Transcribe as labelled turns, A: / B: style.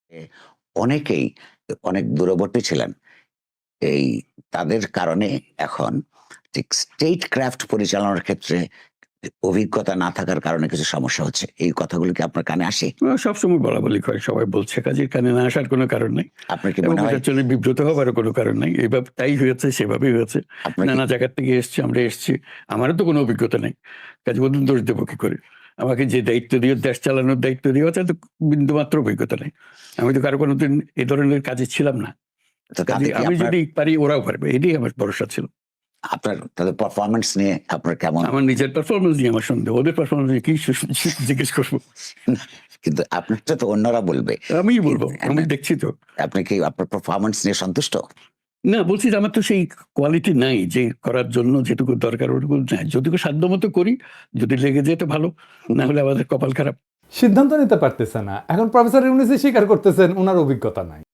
A: এ অনেকেই অনেক দূরবর্তী ছিলেন। এই তাদের কারণে এখন ঠিক স্টেট ক্রাফট পরিচালনার ক্ষেত্রে অভিজ্ঞতা না থাকার কারণে কিছু সমস্যা হচ্ছে। এই কথাগুলো কি আপনার কানে আসে?
B: সবসময় বলাবলি করে, সবাই বলছে, কাজের কানে না আসার কোনো কারণ নাই
A: আপনার কি
B: এবং
A: মনে হয়
B: এটার জন্য বিব্রত হবারও কোনো কারণ নাই। এইভাবে তাই হয়েছে, সেভাবেই হয়েছে।
A: আপনার কি
B: নানা জায়গার থেকে এসছি, আমরা এসছি। আমারও তো কোনো অভিজ্ঞতা নেই। কাজে বলুন দোষ দেবো কি করে? আমাকে যে দায়িত্ব দিয়ে দেশ চালানোর দায়িত্ব দেওয়া আছে, তো বিন্দুমাত্র অভিজ্ঞতা নেই। আমি তো কারো কোনোদিন এ ধরনের কাজে ছিলাম না।
A: তো
B: কাজে
A: তাতে কি
B: আমি
A: আপনার
B: যদি পারি, ওরাও পারবে। এটাই আমার ভরসা ছিল।
A: আপনার তাদের পারফরম্যান্স নিয়ে আপনার কেমন?
B: আমার নিজের পারফরম্যান্স নিয়ে আমার সন্দেহ। ওদের পারফরম্যান্স নিয়ে কি জিজ্ঞেস করবো?
A: কিন্তু আপনারটা তো অন্যরা বলবে।
B: আমিই বলবো। আমি
A: না,
B: দেখছি তো।
A: আপনি কি আপনার পারফরম্যান্স নিয়ে সন্তুষ্ট?
B: না, বলছি যে আমার তো সেই কোয়ালিটি নাই যে করার জন্য যেটুকু দরকার ওটুকু নাই। যতটুকু সাধ্যমতো করি, যদি লেগে যায় তো ভালো, না হলে আমাদের কপাল খারাপ।
C: সিদ্ধান্ত নিতে পারতেছে না। এখন প্রফেসর ইউনূসই স্বীকার করতেছেন উনার অভিজ্ঞতা নাই।